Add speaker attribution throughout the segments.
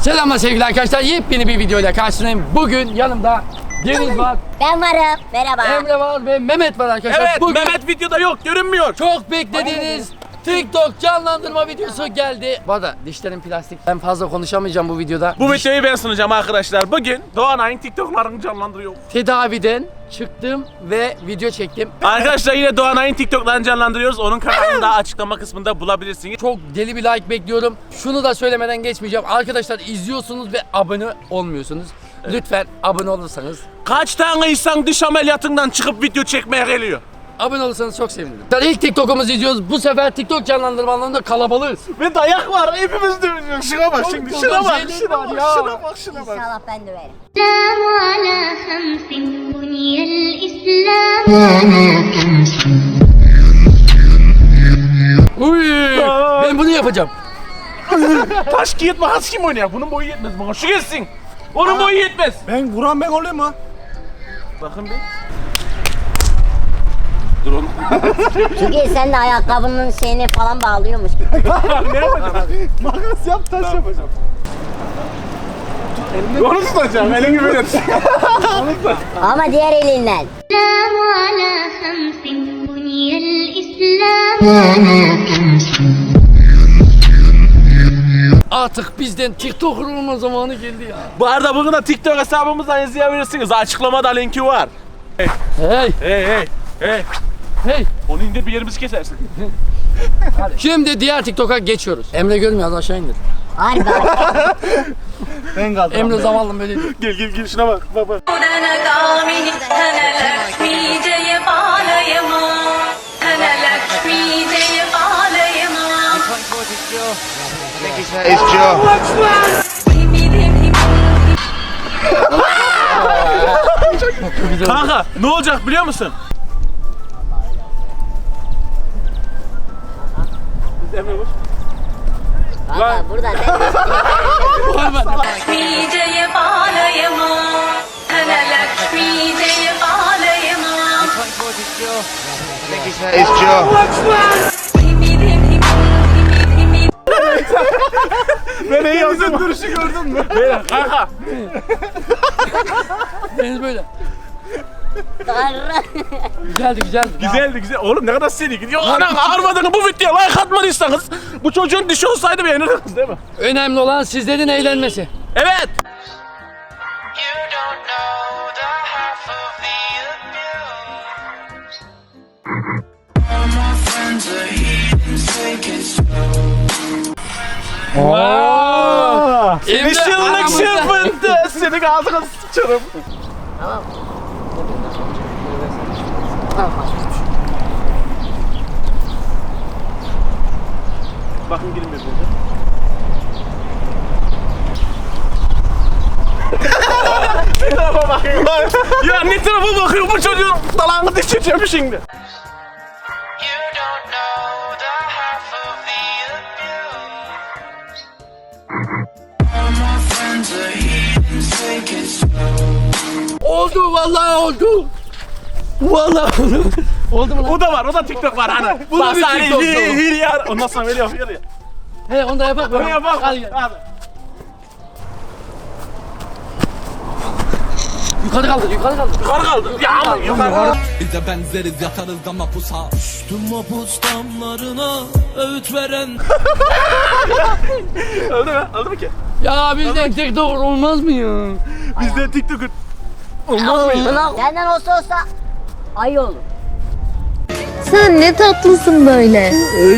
Speaker 1: Selamlar sevgili arkadaşlar. Yepyeni bir videoyla karşınızdayım. Bugün yanımda Deniz var.
Speaker 2: Ben varım. Merhaba.
Speaker 1: Emre var ve Mehmet var arkadaşlar.
Speaker 3: Evet,
Speaker 1: Bugün
Speaker 3: Mehmet videoda yok, görünmüyor.
Speaker 1: çok beklediğiniz TikTok canlandırma videosu geldi. Bu arada dişlerim plastik. Ben fazla konuşamayacağım bu videoda.
Speaker 3: Bu videoyu ben sunacağım arkadaşlar. Bugün Doğanay'ın TikTok'larını canlandırıyor.
Speaker 1: Tedaviden çıktım ve video çektim.
Speaker 3: Arkadaşlar yine Doğanay'ın TikTok'larını canlandırıyoruz. Onun kanalını da açıklama kısmında bulabilirsiniz.
Speaker 1: Çok deli bir like bekliyorum. Şunu da söylemeden geçmeyeceğim. Arkadaşlar izliyorsunuz ve abone olmuyorsunuz. Lütfen abone olursanız.
Speaker 3: Kaç tane insan diş ameliyatından çıkıp video çekmeye geliyor?
Speaker 1: Abone olursanız çok sevinirim. İlk TikTok'umuzu izliyoruz. Bu sefer TikTok canlandırmalarında kalabalığız.
Speaker 3: Ve dayak var, hepimiz dövüyoruz. Şuna bak şimdi,
Speaker 1: Çok
Speaker 3: şuna bak,
Speaker 1: şeyler
Speaker 3: şuna
Speaker 1: var
Speaker 3: bak,
Speaker 1: ya.
Speaker 3: şuna bak, şuna bak.
Speaker 2: İnşallah ben döverim.
Speaker 4: الإسلام على خمس بني الإسلام
Speaker 1: Uy, ben bunu yapacağım.
Speaker 3: Taş kağıt makas kim oynuyor? Bunun boyu yetmez bana. Şu gelsin. Onun boyu yetmez.
Speaker 5: Ben vuran ben olayım mı?
Speaker 3: Bakın bir. Dur oğlum.
Speaker 2: Çünkü sen de ayakkabının şeyini falan bağlıyormuş.
Speaker 3: Ne yapacağım?
Speaker 5: Makas yap taş yapacağım.
Speaker 3: Onu tutacağım, elini böyle tutacağım.
Speaker 2: Ama diğer elinden.
Speaker 4: الإسلام على خمس بني الإسلام
Speaker 1: Artık bizden TikToker olma zamanı geldi ya.
Speaker 3: Bu arada bugün de TikTok hesabımızdan izleyebilirsiniz. Açıklamada linki var.
Speaker 1: Hey,
Speaker 3: Hey.
Speaker 1: hey.
Speaker 3: Onu indir, bir yerimizi kesersin.
Speaker 1: Şimdi diğer TikTok'a geçiyoruz. Emre görmüyor, az aşağı indir.
Speaker 2: Harbi.
Speaker 5: Ben kaldım.
Speaker 1: Emre zavallım böyle değil.
Speaker 3: Gel şuna bak. Bak.
Speaker 6: It's Joe.
Speaker 3: Kanka ne olacak biliyor musun? Emre vur.
Speaker 2: Valla burada ben
Speaker 6: It's Joe.
Speaker 3: Ben iyi yaptım. Duruşu gördün mü? Beyler kanka.
Speaker 1: Deniz böyle.
Speaker 2: Tanrı.
Speaker 1: Güzeldi.
Speaker 3: Güzel. Oğlum ne kadar seri gidiyor. Ana ağırmadığını bu videoya like atmadıysanız bu çocuğun dişi olsaydı beğenirdiniz değil mi?
Speaker 1: Önemli olan sizlerin eğlenmesi.
Speaker 3: Evet.
Speaker 1: Emre
Speaker 3: Işınlık
Speaker 1: aramızda.
Speaker 3: çırpıntı. Senin ağzına sıçarım. Bakın girin birbirine. Ne tarafa bakıyor? Ya ne tarafa bakıyor bu çocuğun dalağını düşeceğim şimdi.
Speaker 1: Oldu vallahi oldu. Vallahi oldu. Oldu mu lan?
Speaker 3: O da var, o da TikTok var hani.
Speaker 1: Bu da bir TikTok
Speaker 3: Hil
Speaker 1: tamam.
Speaker 3: ya. Ondan sonra böyle yapıyor ya.
Speaker 1: He onu da yapak mı?
Speaker 3: Bunu yapalım.
Speaker 1: Hadi gel.
Speaker 3: Hadi.
Speaker 1: Yukarı kaldır.
Speaker 3: Yukarı kaldı. Ya yukarı.
Speaker 7: Bize benzeriz yatarız da mapusa. Düştüm mapus damlarına öğüt veren.
Speaker 3: Öldü mü? Öldü mü ki?
Speaker 1: Ya bizden TikToker olmaz mı ya?
Speaker 3: Bizde TikTok'un. Olmaz mı ya?
Speaker 2: Senden olsa ayı olur.
Speaker 8: Sen ne tatlısın böyle.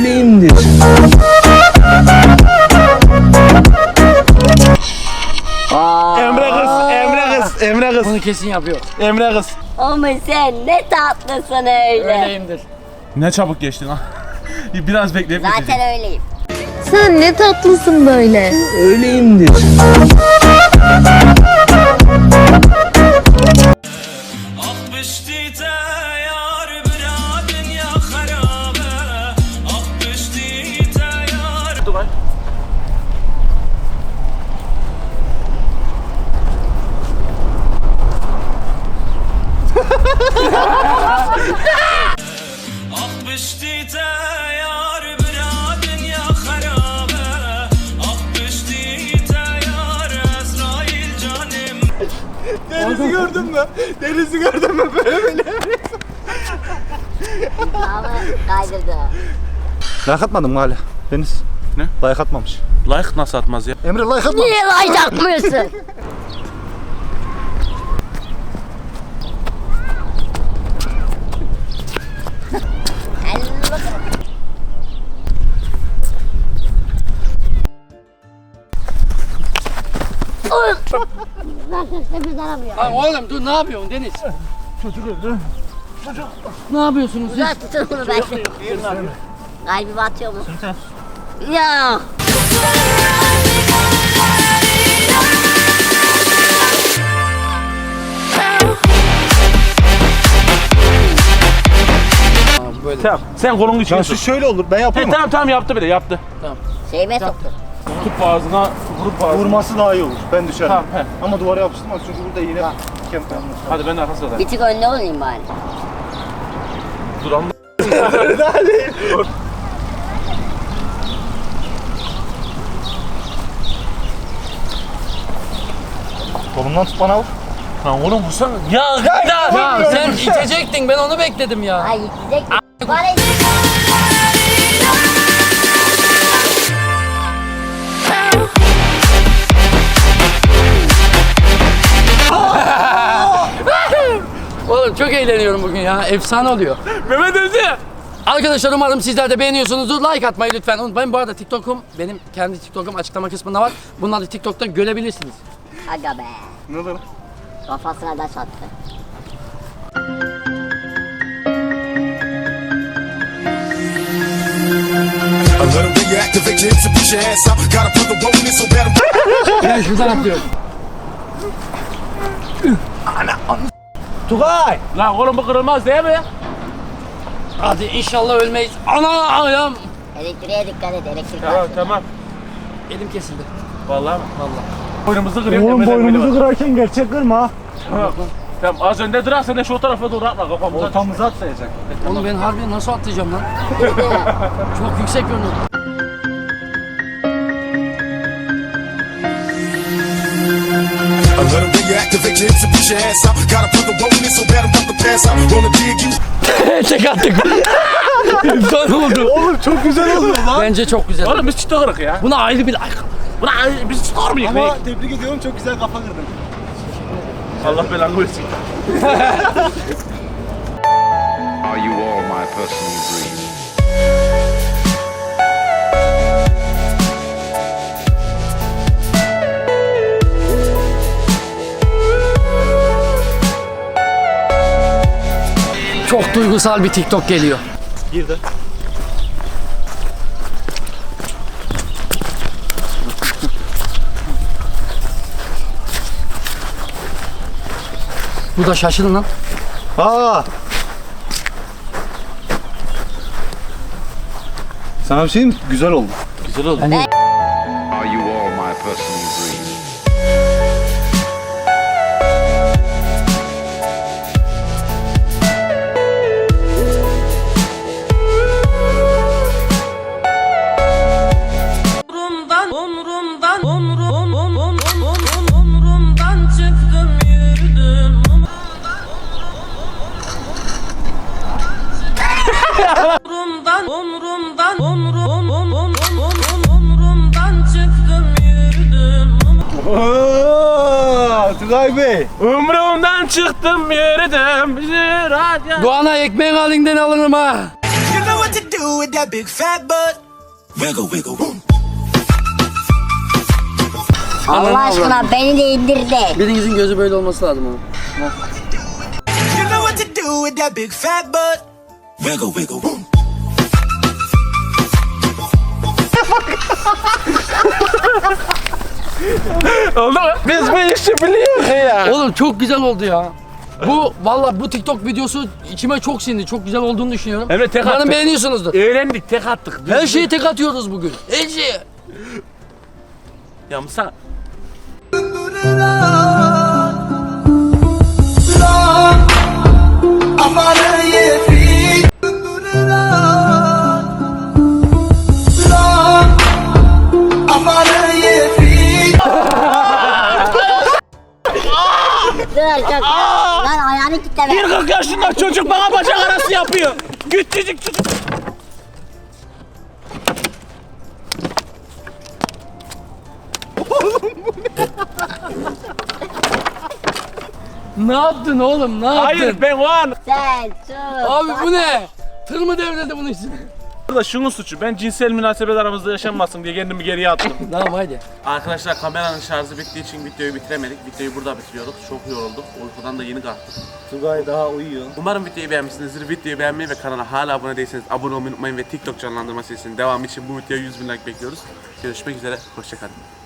Speaker 3: Emre kız.
Speaker 1: Bunu kesin yapıyor.
Speaker 3: Emre kız.
Speaker 2: Ama sen ne tatlısın öyle.
Speaker 1: Öyleyimdir.
Speaker 3: Ne çabuk geçtin ha. Biraz bekleyip
Speaker 2: Zaten öyleyim.
Speaker 8: Sen ne tatlısın böyle.
Speaker 5: Denizi gördün mü? Denizi gördün mü böyle?
Speaker 2: Ama kaydırdı.
Speaker 5: Like atmadın mı hala? Deniz.
Speaker 3: Ne?
Speaker 5: Like atmamış.
Speaker 3: Like nasıl atmaz ya?
Speaker 5: Emre like atmamış.
Speaker 2: Niye like atmıyorsun? Hadi bakalım. Zaten biz aramıyor.
Speaker 1: Lan oğlum dur ne yapıyorsun Deniz? Ne yapıyorsunuz siz?
Speaker 2: Uzak tutun bunu ben. Kalbime atıyor mu? Ya.
Speaker 1: Böyle.
Speaker 3: Tamam. Sen kolunu içine
Speaker 5: Şu
Speaker 3: sok.
Speaker 5: şöyle olur. Ben yapayım mı?
Speaker 3: Tamam yaptı bile yaptı.
Speaker 2: Şeyime soktu.
Speaker 3: Tut ağzına, vurup ağzına.
Speaker 5: Vurması daha iyi olur. Ben düşerim.
Speaker 3: Tamam, he.
Speaker 5: Ama duvara yapıştırmaz çünkü burada yine kemp yapmış.
Speaker 3: Hadi ben de arkasına
Speaker 2: Bir tık önde olayım bari.
Speaker 3: dur amma.
Speaker 5: Kolumdan tut bana vur.
Speaker 3: Lan oğlum vursana. Ya
Speaker 1: Ya sen itecektin ben onu bekledim ya.
Speaker 2: Ay gidecek. Bana
Speaker 1: Oğlum çok eğleniyorum bugün ya. Efsane oluyor.
Speaker 3: Mehmet öldü.
Speaker 1: Arkadaşlar umarım sizler de beğeniyorsunuzdur. Like atmayı lütfen unutmayın. Bu arada TikTok'um, benim kendi TikTok'um açıklama kısmında var. Bunları TikTok'ta görebilirsiniz.
Speaker 2: Aga be.
Speaker 5: Ne olur?
Speaker 2: Kafasına da çattı.
Speaker 1: Ben şuradan atlıyorum.
Speaker 5: Tugay!
Speaker 3: Lan oğlum bu kırılmaz değil mi?
Speaker 1: Hadi inşallah ölmeyiz. Ana ayağım.
Speaker 2: Elektriğe dikkat et. Elektrik
Speaker 3: Tamam
Speaker 2: var.
Speaker 3: tamam.
Speaker 1: Elim kesildi.
Speaker 3: Vallahi mi?
Speaker 1: Vallahi.
Speaker 3: Boynumuzu kırıyor.
Speaker 5: Oğlum
Speaker 3: Emre'den biri
Speaker 5: boynumuzu
Speaker 3: var.
Speaker 5: kırarken gerçek kırma.
Speaker 3: Tamam. Tamam az önde durak sen de şu tarafa doğru atla kafamıza.
Speaker 5: Ortamıza atlayacak.
Speaker 1: Oğlum ben harbi nasıl atlayacağım lan? Çok yüksek görünüyor. Tek attık. Efsane oldu.
Speaker 5: Oğlum çok güzel oluyor lan.
Speaker 1: Bence çok güzel.
Speaker 3: Oğlum biz çıta kırık ya.
Speaker 1: Buna ayrı bir like.
Speaker 3: Buna biz çıta mıyız?
Speaker 5: Ama tebrik ediyorum çok güzel kafa kırdın.
Speaker 3: Allah belanı versin.
Speaker 6: Are you all my personal dreams?
Speaker 1: Çok duygusal bir TikTok geliyor.
Speaker 5: Girdi.
Speaker 1: Bu da şaşırın lan.
Speaker 5: Aa! Sana bir şey diyeyim mi? Güzel oldu.
Speaker 3: Güzel oldu.
Speaker 1: Yani
Speaker 6: Are you all my personal dreams?
Speaker 7: Umrumdan çıktım yürüdüm. Umrumdan çıktım yürüdüm.
Speaker 5: Ooo! Tugay Bey!
Speaker 3: Umrumdan çıktım yürüdüm.
Speaker 1: bu ana ekmeğin halinden alırım ha.
Speaker 7: You know what to do with that big fat butt. Wiggle wiggle boom.
Speaker 2: Allah aşkına beni de indir de.
Speaker 1: Birinizin gözü böyle olması lazım ama.
Speaker 7: You know what to do with that big fat butt. Wiggle wiggle boom.
Speaker 3: Oldu mu? Biz bu işi biliyoruz ya.
Speaker 1: Oğlum çok güzel oldu ya. Bu valla bu TikTok videosu içime çok sindi. Çok güzel olduğunu düşünüyorum.
Speaker 3: Emre, tek
Speaker 1: Umarım
Speaker 3: attık.
Speaker 1: beğeniyorsunuzdur.
Speaker 3: Eğlendik tek attık.
Speaker 1: Her şeyi tek atıyoruz bugün. Her şeyi.
Speaker 3: Ya Musa.
Speaker 2: dur. Lan ayağını kilitleme.
Speaker 3: 40 yaşında çocuk bana bacak arası yapıyor. Küçücük çocuk.
Speaker 1: Ne yaptın oğlum? Ne yaptın?
Speaker 3: Hayır ben o an.
Speaker 2: Sen sus.
Speaker 1: Abi bu ne? Tır mı devrildi bunun için?
Speaker 3: Burada şunun suçu. Ben cinsel münasebet aramızda yaşanmasın diye kendimi geriye attım.
Speaker 1: Tamam hadi.
Speaker 3: Arkadaşlar kameranın şarjı bittiği için videoyu bitiremedik. Videoyu burada bitiriyorduk. Çok yorulduk. Uykudan da yeni kalktık.
Speaker 5: Tugay daha uyuyor.
Speaker 3: Umarım videoyu beğenmişsinizdir. Videoyu beğenmeyi ve kanala hala abone değilseniz abone olmayı unutmayın ve TikTok canlandırma serisinin devamı için bu videoya 100.000 like bekliyoruz. Görüşmek üzere. Hoşçakalın.